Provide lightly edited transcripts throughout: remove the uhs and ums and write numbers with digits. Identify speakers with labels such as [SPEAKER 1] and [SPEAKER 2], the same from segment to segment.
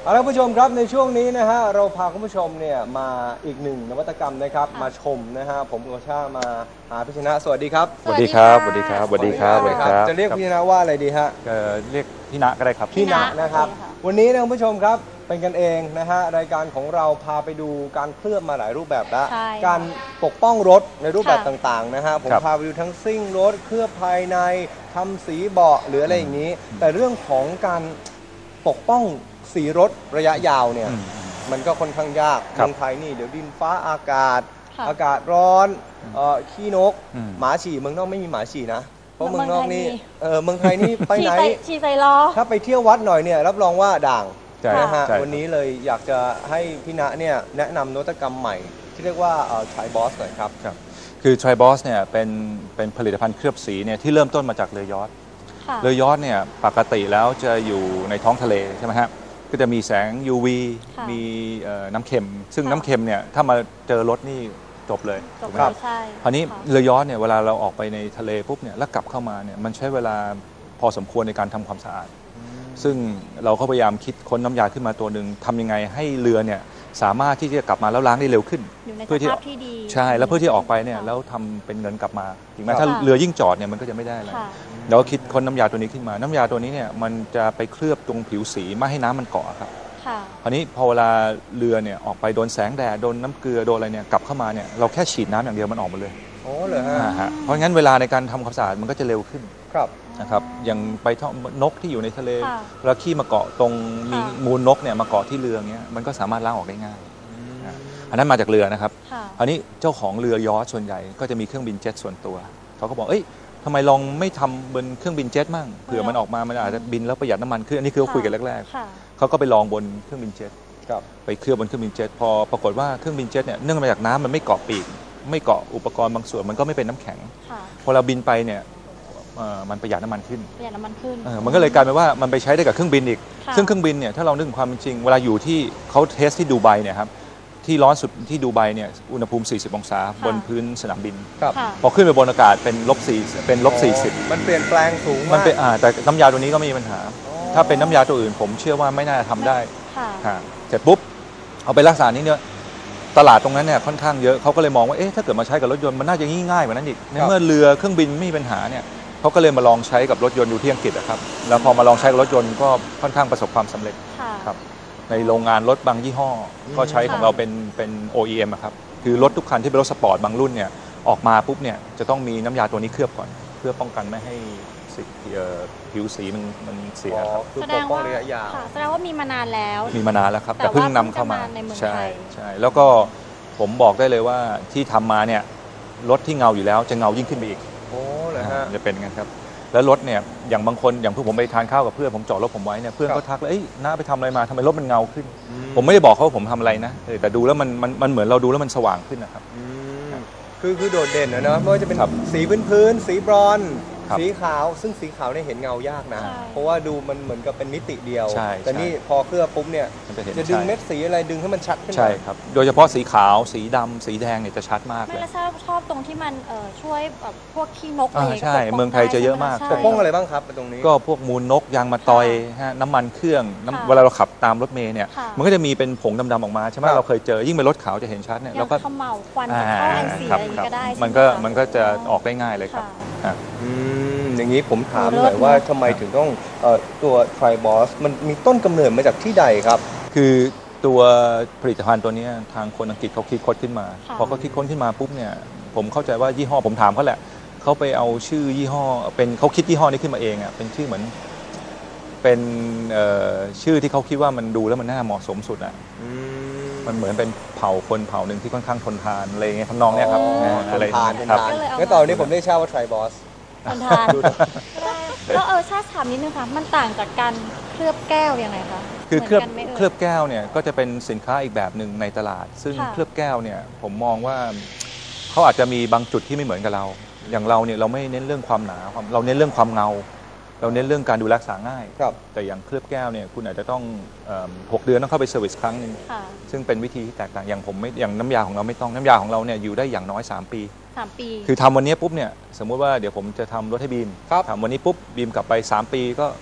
[SPEAKER 1] เอาละผู้ชมครับในช่วงนี้นะฮะเราพาคุณผู้ชมเนี่ยมาอีกหนึ่งนวัตกรรมนะครับมาชมนะฮะผมโอชามาหาพี่ชนะสวัสดีครับ
[SPEAKER 2] สวัสดีครับสวัสดีครับสวัสดีครับสวัสดีครับ
[SPEAKER 1] จะเรียกพี่ชนะว่าอะไรดีฮะ
[SPEAKER 2] เรียกพี่ณก็ได้ครับ
[SPEAKER 1] พี่ณนะครับวันนี้นะคุณผู้ชมครับเป็นกันเองนะฮะรายการของเราพาไปดูการเคลือบมาหลายรูปแบบแล้วการปกป้องรถในรูปแบบต่างๆนะฮะผมพาไปดูทั้งซิ่งรถเคลือบภายในทำสีเบาะหรืออะไรอย่างนี้แต่เรื่องของการปกป้องสีรถระยะยาวเนี่ยมันก็ค่อนข้างยากเมืองไทยนี่เดี๋ยวดินฟ้าอากาศร้อนขี้นกหมาฉี่เมืองนอกไม่มีหมาฉี่นะเพราะเมืองนอกนี่เมืองไทยนี่ไปไหน
[SPEAKER 3] ฉี่ใส่ล้อ
[SPEAKER 1] ถ้าไปเที่ยววัดหน่อยเนี่ยรับรองว่าด่างนะฮะวันนี้เลยอยากจะให้พี่ณเนี่ยแนะนำนวัตกรรมใหม่ที่เรียกว่าTri Boss หน่อยครับ
[SPEAKER 2] คือ Tri Boss เนี่ยเป็นผลิตภัณฑ์เคลือบสีเนี่ยที่เริ่มต้นมาจากเรือยอชต์เรือยอชต์เนี่ยปกติแล้วจะอยู่ในท้องทะเลใช่ไหมฮะก็จะมีแสง UV มีน้ำเค็มซึ่งน้ำเค็มเนี่ยถ้ามาเจอรถนี่จบเลย
[SPEAKER 3] ถูกไหมครับ
[SPEAKER 2] คราวนี้เรือยอชต์เนี่ยเวลาเราออกไปในทะเลปุ๊บเนี่ยแล้วกลับเข้ามาเนี่ยมันใช้เวลาพอสมควรในการทำความสะอาดซึ่งเราก็พยายามคิดค้นน้ำยาขึ้นมาตัวหนึ่งทำยังไงให้เรือเนี่ยสามารถที่จะกลับมาแล้วล้างได้เร็วขึ้น
[SPEAKER 3] เพื่อที่
[SPEAKER 2] ใช่แล้วเพื่อที่ออกไปเนี่ยแล้วทำเป็นเงินกลับมาถึงแม้ถ้าเรือยิ่งจอดเนี่ยมันก็จะไม่ได้อะไรเราก็คิดค้นน้ำยาตัวนี้ขึ้นมาน้ำยาตัวนี้เนี่ยมันจะไปเคลือบตรงผิวสีไม่ให้น้ำมันเกาะครับคราวนี้พอเวลาเรือเนี่ยออกไปโดนแสงแดดโดนน้ำเกลือโดนอะไรเนี่ยกลับเข้ามาเนี่ยเราแค่ฉีดน้ำอย่างเดียวมันออกมาเลย
[SPEAKER 1] โอ้เหรอฮะ
[SPEAKER 2] เพราะงั้นเวลาในการทำความสะอาดมันก็จะเร็วขึ้น
[SPEAKER 1] ครับ
[SPEAKER 2] นะครับอย่างไปนกที่อยู่ในทะเลแล้วขี้มาเกาะตรงมีมูลนกเนี่ยมาเกาะที่เรือเงี้ยมันก็สามารถล้างออกได้ง่ายอันนั้นมาจากเรือนะครับอันนี้เจ้าของเรือยอชต์ส่วนใหญ่ก็จะมีเครื่องบินเจ็ตส่วนตัวเขาก็บอกเอ้ยทำไมลองไม่ทำบนเครื่องบินเจ็ตมั่งเผื่อมันออกมามันอาจจะบินแล้วประหยัดน้ำมันขึ้นอันนี้คือเขาคุยกันแรกๆเขาก็ไปลองบนเครื่องบินเจ็ตไปเคลือบบนเครื่องบินเจ็ตพอปรากฏว่าเครื่องบินเจ็ตเนี่ยเนื่องมาจากน้ำมันไม่เกาะปีกไม่เกาะอุปกรณ์บางส่วนมันก็ไม่เป็นน้ำแข็งพอเราบินไปเนี่ยมันประหยัดน้ำมันขึ้นมันก็เลยกลายเป็นว่ามันไปใช้ได้กับเครื่องบินอีกซึ่งเครื่องบินเนี่ยถ้าเรานึกถึงความเป็นจริงเวลาอยู่ที่เขาเทสที่ดูไบเนี่ยครับที่ร้อนสุดที่ดูไบเนี่ยอุณหภูมิ40องศาบนพื้นสนามบินพอขึ้นไปบนอากาศเป็น-40มัน
[SPEAKER 1] เปลี่ยนแปลงสูงมาก
[SPEAKER 2] มันเป็นแต่น้ำยาตัวนี้ก็ไม่มีปัญหาถ้าเป็นน้ำยาตัวอื่นผมเชื่อว่าไม่น่าจะทำได้เสร็จปุ๊บเอาไปรักษานี้เนี่ยตลาดตรงนั้นเนี่ยค่อนข้างเยอะเขาก็เลยมองว่าเอ๊ะถ้าเกิดมาใช้กับรถยนต์มันน่าจะง่ายกว่านั้นอีกในเมื่อเรือเครื่องบินไม่มีปัญหาเนี่ยเขาก็เลยมาลองใช้กับรถยนต์อยู่ที่อังกฤษครับแล้วพอมาลองใช้กับรถยนต์ก็ค่อนข้างประสบความสำเร็จครับในโรงงานรถบางยี่ห้อก็ใช้ของเราเป็น OEM ครับคือรถทุกคันที่เป็นรถสปอร์ตบางรุ่นเนี่ยออกมาปุ๊บเนี่ยจะต้องมีน้ำยาตัวนี้เคลือบก่อนเพื่อป้องกันไม่ให้ผิวสีมันเสียครับ
[SPEAKER 3] แสดงว่ามีมานานแล้ว
[SPEAKER 2] ครับแต่เพิ่งนำเข้ามาใช่แล้วก็ผมบอกได้เลยว่าที่ทำมาเนี่ยรถที่เงาอยู่แล้วจะเงายิ่งขึ้นไปอีก
[SPEAKER 1] โอ้เหรอฮะ
[SPEAKER 2] จะเป็นงั้นครับแล้วรถเนี่ยอย่างบางคนอย่างเพื่อนผมไปทานข้าวกับเพื่อนผมจอดรถผมไว้เนี่ยเพื่อนก็ทักเลยเอ้ยน้าไปทำอะไรมาทำไมรถมันเงาขึ้นผมไม่ได้บอกเขาว่าผมทำอะไรนะแต่ดูแล้วมันเหมือนเราดูแล้วมันสว่างขึ้นนะครับ
[SPEAKER 1] คือโดดเด่นนะเนาะไม่ว่าจะเป็นสีพื้นสีบรอนซ์สีขาวซึ่งสีขาวเนี่ยเห็นเงายากนะเพราะว่าดูมันเหมือนกับเป็นมิติเดียวแต่นี่พอเคลือบปุ๊บเนี่ยจะดึงเม็ดสีอะไรดึงให้มันชัดขึ้น
[SPEAKER 2] ใช่ครับโดยเฉพาะสีขาวสีดำสีแดงเนี่ยจะชัดมากเลย
[SPEAKER 3] ไม่แล้วชอบตรงที่มันช่วยแบบพวกขี้นก
[SPEAKER 2] ใช่เมืองไทยจะเยอะมาก
[SPEAKER 1] ปกป้องอะไรบ้างครับตรงนี้
[SPEAKER 2] ก็พวกมูลนกยางมะตอยน้ำมันเครื่องเวลาเราขับตามรถเมล์เนี่ยมันก็จะมีเป็นผงดำๆออกมาใช่ไหมเราเคยเจอยิ่งเป็นรถขาวจะเห็นชัดเนี่ย
[SPEAKER 3] แล้วก็ขมเหลาควันท่อไอเสียก็ได้
[SPEAKER 2] มันก็จะออกได้ง่ายเลยครับ
[SPEAKER 1] อย่างนี้ผมถามหน่อยว่าทำไมถึงต้องตัว Tri Boss มันมีต้นกำเนิดมาจากที่ใดครับ
[SPEAKER 2] คือตัวผลิตภัณฑ์ตัวนี้ทางคนอังกฤษเขาคิดค้นขึ้นมาพอเขาคิดค้นขึ้นมาปุ๊บเนี่ยผมเข้าใจว่ายี่ห้อผมถามเขาแหละเขาไปเอาชื่อยี่ห้อเป็นเขาคิดยี่ห้อนี้ขึ้นมาเองอ่ะเป็นชื่อเหมือนเป็นชื่อที่เขาคิดว่ามันดูแล้วมันน่าเหมาะสมสุดอ่ะมันเหมือนเป็นเผ่าคนเผ่าหนึ่งที่ค่อนข้างทนทานอะไรเงี้ยทำนองเนี้ยครับ
[SPEAKER 1] อะไรครับงั้นตอนนี้ผมได้ทราบว่า Tri Boss
[SPEAKER 3] ทนทานแล้วชาติถามนิดนึงค่ะมันต่างจากการเคลือบแก้วยังไงคะ
[SPEAKER 2] คือเคลือบแก้วเนี่ยก็จะเป็นสินค้าอีกแบบหนึ่งในตลาดซึ่งเคลือบแก้วเนี่ยผมมองว่าเขาอาจจะมีบางจุดที่ไม่เหมือนกับเราอย่างเราเนี่ยเราไม่เน้นเรื่องความหนาเราเน้นเรื่องความเงาเราเน้นเรื่องการดูรักษาง่ายแต่อย่างเคลือบแก้วเนี่ยคุณอาจจะต้อง6 เดือนต้องเข้าไปเซอร์วิสครั้งนึงซึ่งเป็นวิธีที่แตกต่างอย่างผมไม่อย่างน้ำยาของเราไม่ต้องน้ำยาของเราเนี่ยอยู่ได้อย่างน้อย3 ปีคือทำวันนี้ปุ๊บเนี่ยสมมุติว่าเดี๋ยวผมจะทำรถให้บีมทำวันนี้ปุ๊บบีมกลับไป3 ปีก็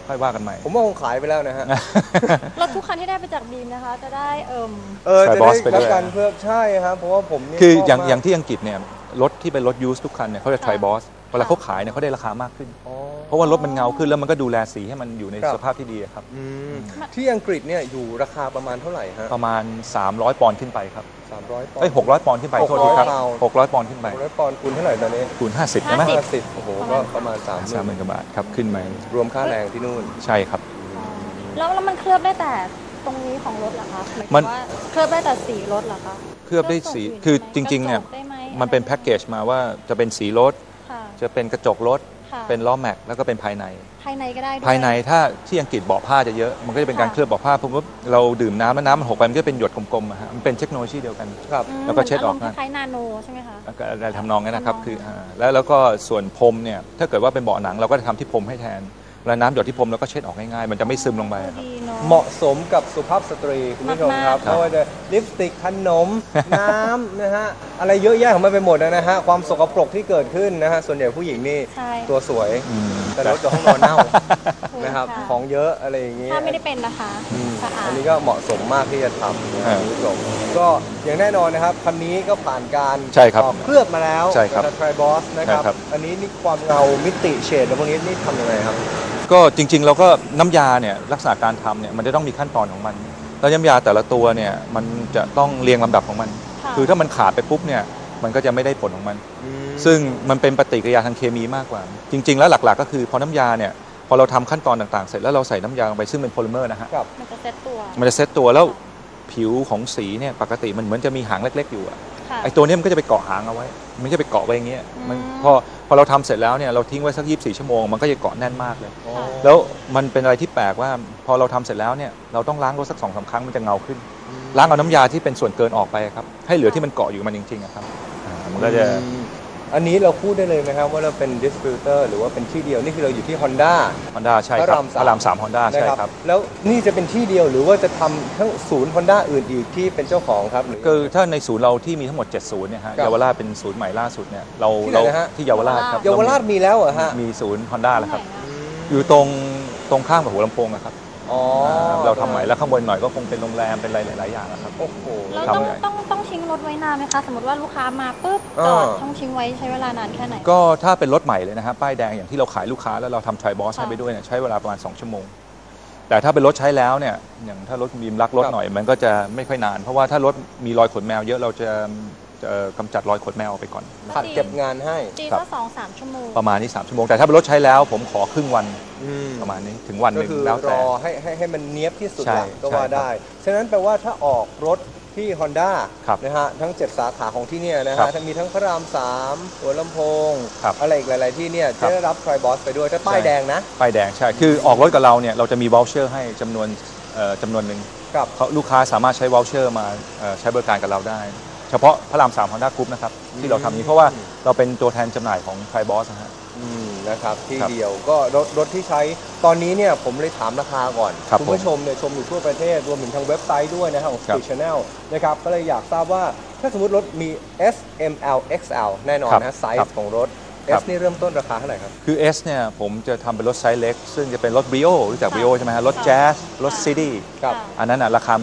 [SPEAKER 2] ค่อยว่ากันใหม่
[SPEAKER 1] ผมว่าคงขายไปแล้วนะฮะ
[SPEAKER 3] รถทุกคันที่ได้ไปจากบีมนะคะ จะได้
[SPEAKER 1] จะได้รับการเพิ่มใช่ครับเพราะว่าผมนี่
[SPEAKER 2] คืออย่างที่อังกฤษเนี่ยรถที่เป็นรถยูสทุกคันเนี่ยเขาจะ Tri Boss เวลาเขาขายเนี่ยเขาได้ราคามากขึ้นเพราะว่ารถมันเงาขึ้นแล้วมันก็ดูแลสีให้มันอยู่ในสภาพที่ดีครับ
[SPEAKER 1] ที่อังกฤษเนี่ยอยู่ราคาประมาณเท่าไหร่ฮะ
[SPEAKER 2] ประมาณ300 ปอนด์ขึ้นไปครับ
[SPEAKER 1] 300 ปอนด์
[SPEAKER 2] 600 ปอนด์ขึ้นไปโทษทีครับ600 ปอนด์ขึ้นไป
[SPEAKER 1] 600 ปอนด์คูณเท่าไหร่ตอนนี้
[SPEAKER 2] คูณ50ใช่ไหม
[SPEAKER 1] 50โอ้โหก็ประมาณ30,000
[SPEAKER 2] กว่าบาทครับขึ้นมาร
[SPEAKER 1] วมค่าแรงที่นู่น
[SPEAKER 2] ใช่ครับ
[SPEAKER 3] แล้วมันเคลือบได้แต่ตรงนี้ของรถเหรอคะหมายถึงว่าเคลือบได้แต่สีรถเหรอคะ
[SPEAKER 2] เคลือบได้สีคือจริงๆเนี่ยมันเป็นแพ็กเกจมาว่าจะเป็นสีรถจะเป็นกระจกรถเป็นล้อแม็กแล้วก็เป็นภายใน
[SPEAKER 3] ก็ได้
[SPEAKER 2] ภายในถ้าที่อังกฤษเบาะผ้าจะเยอะมันก็จะเป็นการเคลือบเบาะผ้าเพราะว่าเราดื่มน้ำแล้วน้ำมันหกไปมันก็เป็นหยดกลมๆมันเป็นเทคโนโลยีเดียวกันแล้วก็เช็ดออก
[SPEAKER 3] นะคล้ายนาโนใช่ไหมคะ
[SPEAKER 2] อะไรทำนองนั้นนะครับคือแล้วก็ส่วนพรมเนี่ยถ้าเกิดว่าเป็นเบาะหนังเราก็จะทำที่พรมให้แทนแล้วน้ำหยดที่พรมแล้วก็เช็ดออกง่ายๆมันจะไม่ซึมลงไปครับ
[SPEAKER 1] เหมาะสมกับสุภาพสตรีคุณผู้ชมครับไม่ว่าจะลิปสติกขนมน้ำนะฮะอะไรเยอะแยะของมันไปหมดนะฮะความสกปรกที่เกิดขึ้นนะฮะส่วนใหญ่ผู้หญิงนี่ตัวสวยแต่รถกับห้องนอนเน่านะครับของเยอะอะไรอย่างงี้
[SPEAKER 3] ถ้าไม่ได้เป็นนะคะ
[SPEAKER 1] อันนี้ก็เหมาะสมมากที่จะทำคุณผู้ชมก็อย่างแน่นอนนะครับคันนี้ก็ผ่านการเคลือบมาแล้ว
[SPEAKER 2] กับ
[SPEAKER 1] Tri Boss นะครับอันนี้นี่ความเงามิติเฉดพวกนี้นี่ทำยังไงครับ
[SPEAKER 2] ก็จริงๆเราก็น้ำยาเนี่ยลักษณะการทำเนี่ยมันจะต้องมีขั้นตอนของมันแล้วน้ำยาแต่ละตัวเนี่ยมันจะต้องเรียงลำดับของมันคือถ้ามันขาดไปปุ๊บเนี่ยมันก็จะไม่ได้ผลของมันซึ่งมันเป็นปฏิกิริยาทางเคมีมากกว่าจริงๆแล้วหลักๆก็คือพอน้ำยาเนี่ยพอเราทำขั้นตอนต่างๆเสร็จแล้วเราใส่น้ำยาลงไปซึ่งเป็นโพลิเมอร์นะฮะ
[SPEAKER 3] มันจะเซต
[SPEAKER 2] ตัวแล้วผิวของสีเนี่ยปกติมันเหมือนจะมีหางเล็กๆอยู่ไอ้ตัวนี้มันก็จะไปเกาะหางเอาไว้มันจะไปเกาะไว้อย่างเงี้ยมันพอเราทำเสร็จแล้วเนี่ยเราทิ้งไว้สัก24 ชั่วโมงมันก็จะเกาะแน่นมากเลยแล้วมันเป็นอะไรที่แปลกว่าพอเราทำเสร็จแล้วเนี่ยเราต้องล้างรถสัก2-3 ครั้งมันจะเงาขึ้นล้างเอาน้ำยาที่เป็นส่วนเกินออกไปครับให้เหลือที่มันเกาะอยู่มันจริงๆครับมันก็จะ
[SPEAKER 1] อันนี้เราพูดได้เลยนะครับว่าเราเป็นดิสติบิวเตอร์หรือว่าเป็นที่เดียวนี่คือเราอยู่ที่ Honda
[SPEAKER 2] ใช่ครับพระราม 3 Honda ใช่ครับ
[SPEAKER 1] แล้วนี่จะเป็นที่เดียวหรือว่าจะทำทั้งศูนย์ Honda อื่นอีกที่เป็นเจ้าของครับหรือ
[SPEAKER 2] คือถ้าในศูนย์เราที่มีทั้งหมด7 ศูนย์เนี่ยฮะเยาวราชเป็นศูนย์ใหม่ล่าสุดเนี่ยเราที่เยาวราชครับ
[SPEAKER 1] เยาวราชมีแล้วเหรอฮะ
[SPEAKER 2] มีศูนย์ Honda แล้วครับอยู่ตรงข้ามกับหัวลำโพงนะครับเราทำใหม่แล้วข้างบนหน่อยก็คงเป็นโรงแรมเป็นอะไรหลายๆอย่างนะครับ
[SPEAKER 1] โอ้โห
[SPEAKER 3] เราต้องทิ้งรถไว้นานไหมคะสมมติว่าลูกค้ามาปุ๊บจอดต้องทิ้งไว้ใช้เวลานานแค่ไหน
[SPEAKER 2] ก็ถ้าเป็นรถใหม่เลยนะครับป้ายแดงอย่างที่เราขายลูกค้าแล้วเราทำ Tri Boss ให้ไปด้วยเนี่ยใช้เวลาประมาณ2 ชั่วโมงแต่ถ้าเป็นรถใช้แล้วเนี่ยอย่างถ้ารถบีมรักรถหน่อยมันก็จะไม่ค่อยนานเพราะว่าถ้ารถมีรอยขนแมวเยอะเราจะกำจัดรอยขนแมวออกไปก่อน
[SPEAKER 1] ผัดเก็บงานให้
[SPEAKER 3] ตีก็2-3 ชั่วโมง
[SPEAKER 2] ประมาณนี้3 ชั่วโมงแต่ถ้าเป็นรถใช้แล้วผมขอครึ่งวันประมาณนี้ถึงวันหนึ่ง
[SPEAKER 1] แล้วแต่รอให้มันเนี้ยบที่สุดก็ว่าได้ฉะนั้นแปลว่าถ้าออกรถที่ Honda นะฮะทั้ง7 สาขาของที่นี่นะฮะมีทั้งพระราม 3หัวลำโพงอะไรอีกหลายๆที่เนี่ยจะได้รับ Tri Boss ไปด้วยถ้าป้ายแดงนะ
[SPEAKER 2] ป้ายแดงใช่คือออกรถกับเราเนี่ยเราจะมี voucher ให้จำนวนหนึ่งลูกค้าสามารถใช้ voucher มาใช้บริการกับเราได้เฉพาะพระราม 3 Honda Group นะครับที่เราทำนี้เพราะว่าเราเป็นตัวแทนจำหน่ายของ Tri Boss นะฮะ
[SPEAKER 1] นะครับที่เดียวก็รถที่ใช้ตอนนี้เนี่ยผมเลยถามราคาก่อนคุณผู้ชมเนี่ยชมอยู่ทั่วประเทศรวมถึงทางเว็บไซต์ด้วยนะครับของ Speed Channel นะครับก็เลยอยากทราบว่าถ้าสมมติรถมี S M L X L แน่นอนนะไซส์ของรถ S นี่เริ่มต้นราคาเท่าไหร่ครับ
[SPEAKER 2] คือ S เนี่ยผมจะทำเป็นรถไซส์เล็กซึ่งจะเป็นรถ Brio รู้จัก Brio ใช่ไหมฮะรถ Jazz รถ City อันนั้นราคา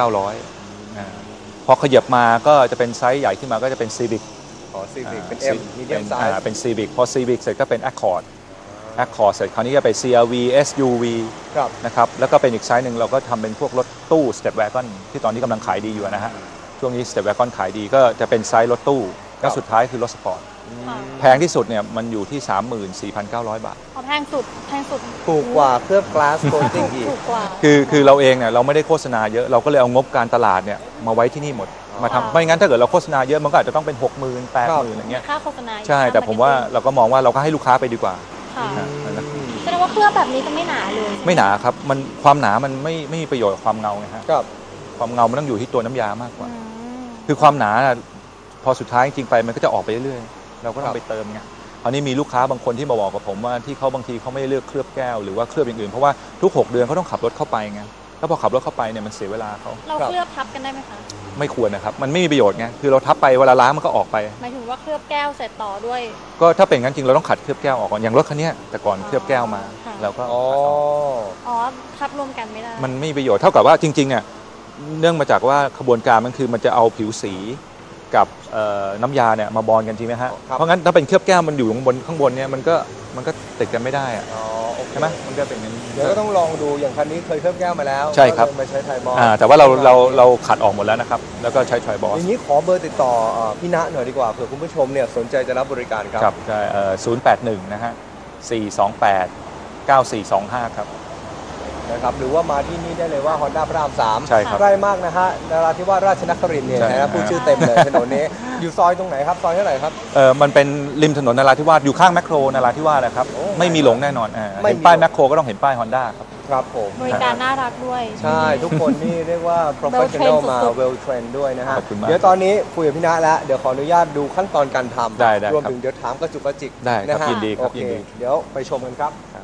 [SPEAKER 2] 19,900 พอขยับมาก็จะเป็นไซส์ใหญ่ขึ้นมาก็จะเป็น Civic
[SPEAKER 1] Civic เป็น M medium size
[SPEAKER 2] เป็น Civic พอ Civic เสร็จก็เป็น Accord เสร็จคราวนี้ก็ไป CRV SUV นะครับแล้วก็เป็นอีกไซส์หนึ่งเราก็ทำเป็นพวกรถตู้ Step Wagon ที่ตอนนี้กำลังขายดีอยู่นะฮะช่วงนี้ Step Wagon ขายดีก็จะเป็นไซส์รถตู้แล้วสุดท้ายคือรถสปอร์ตแพงที่สุดเนี่ยมันอยู่ที่ 34,900 บาท
[SPEAKER 3] แพงสุด
[SPEAKER 1] ถูกกว่าเคลือบ glass coating อีก
[SPEAKER 2] คือเราเองเนี่ยเราไม่ได้โฆษณาเยอะเราก็เลยเอางบการตลาดเนี่ยมาไว้ที่นี่หมดมาทำไม่งั้นถ้าเกิดเราโฆษณาเยอะมันก็อาจจะต้องเป็น 60,000 80,000 อย่างเงี้ย
[SPEAKER 3] ค่าโฆษณา
[SPEAKER 2] ใช่แต่ผมว่าเราก็มองว่าเราก็ให้ลูกค้าไปดีกว่า
[SPEAKER 3] แสดงว่าเคลือบแบบนี้จะไม่หนาเลย
[SPEAKER 2] ไม่หนาครับมันความหนามันไม่มีประโยชน์กับความเงาไงฮะความเงามันต้องอยู่ที่ตัวน้ำยามากกว่าคือความหนาพอสุดท้ายจริงๆไปมันก็จะออกไปเรื่อยๆเราก็ต้องไปเติมไงคราวนี้มีลูกค้าบางคนที่มาบอกกับผมว่าที่เขาบางทีเขาไม่ได้เลือกเคลือบแก้วหรือว่าเคลือบอย่างอื่นเพราะว่าทุก6 เดือนเขาต้องขับรถเข้าไปไงถ้แล้วพอขับรถเข้าไปเนี่ยมันเสียเวลาเขา
[SPEAKER 3] เราเคลือบทับกันได้ไหมคะ
[SPEAKER 2] ไม่ควรนะครับมันไม่มีประโยชน์ไงคือเราทับไปเวลาล้างมันก็ออกไป
[SPEAKER 3] หมายถึงว่าเคลือบแก้วเสร็จต่อด้วย
[SPEAKER 2] ก็ถ้าเป็นงั้นจริงเราต้องขัดเคลือบแก้วออกก่อนอย่างรถคันนี้แต่ก่อนเคลือบแก้วมา
[SPEAKER 3] ค่ะ
[SPEAKER 2] เราก็
[SPEAKER 1] อ๋อ
[SPEAKER 2] ขัดออก
[SPEAKER 3] อ๋อทับรวมกันไม่ได้
[SPEAKER 2] มันไม่มีประโยชน์เท่ากับว่าจริงๆอ่ะเนื่องมาจากว่าขบวนการมันคือมันจะเอาผิวสีกับน้ำยาเนี่ยมาบอนกันจริงไหมฮะ
[SPEAKER 1] ครับ
[SPEAKER 2] เพราะงั้นถ้าเป็นเคลือบแก้วมันอยู่ข้างบนเนี่ยมันก็ติดกันไม่ได้อะ
[SPEAKER 1] อ๋อโอเค
[SPEAKER 2] ใช่ไหมมันก็เป็นอย่างนี้
[SPEAKER 1] เดี๋ยวก็ต้องลองดูอย่างคันนี้เคยเคลือบแก้วมาแล้ว
[SPEAKER 2] ใช่ครับ
[SPEAKER 1] ก็เลยมาใช้ไทยบอล
[SPEAKER 2] แต่ว่าเราขัดออกหมดแล้วนะครับแล้วก็ใช้ทรอยบอส
[SPEAKER 1] อย่างนี้ขอเบอร์ติดต่อพี่ณหน่อยดีกว่าเผื่อคุณผู้ชมเนี่ยสนใจจะรับบริการครับ
[SPEAKER 2] ครับใช่081นะฮะ428 9425ครับ
[SPEAKER 1] นะครับหรือว่ามาที่นี่ได้เลยว่า Honda พระราม 3
[SPEAKER 2] ใช่ครับ
[SPEAKER 1] ใกล้มากนะฮะนราธิวาสราชนครินทร์เนี่ย
[SPEAKER 2] ใช่
[SPEAKER 1] นะฮะพูดชื่อเต็มเลยถนนนี้ อยู่ซอยตรงไหนครับซอยเท่าไหร่ครับ
[SPEAKER 2] มันเป็นริมถนนนราธิวาสอยู่ข้างแมคโครนราธิวาสนะครับ
[SPEAKER 1] โอ้
[SPEAKER 2] ไม่มีหลงแน่นอน
[SPEAKER 1] ไม่มี
[SPEAKER 2] เห็นป้ายแมคโครก็ต้องเห็นป้ายฮอนด้าครับ
[SPEAKER 1] ครับผม
[SPEAKER 3] บริการน่ารักด้วย
[SPEAKER 1] ใช่ทุกคนนี่เรียกว่า professional มา
[SPEAKER 3] สุดๆ
[SPEAKER 1] well trained ด้วยนะฮะ
[SPEAKER 2] ขอบคุณมาก
[SPEAKER 1] เดี๋ยวตอนนี้คุยกับพี่ณแล้วเดี๋ยวขออนุญาตดูขั้นตอนการทำ
[SPEAKER 2] ได้
[SPEAKER 1] รวม
[SPEAKER 2] ครับ
[SPEAKER 1] ถึงเดี๋ยวถามกระจุกกระจิก
[SPEAKER 2] ได้ครับ
[SPEAKER 1] นะฮะ
[SPEAKER 2] ยินดีครับ
[SPEAKER 1] โอเค
[SPEAKER 2] ยินดี
[SPEAKER 1] เดี๋ยวไปชมกันครับ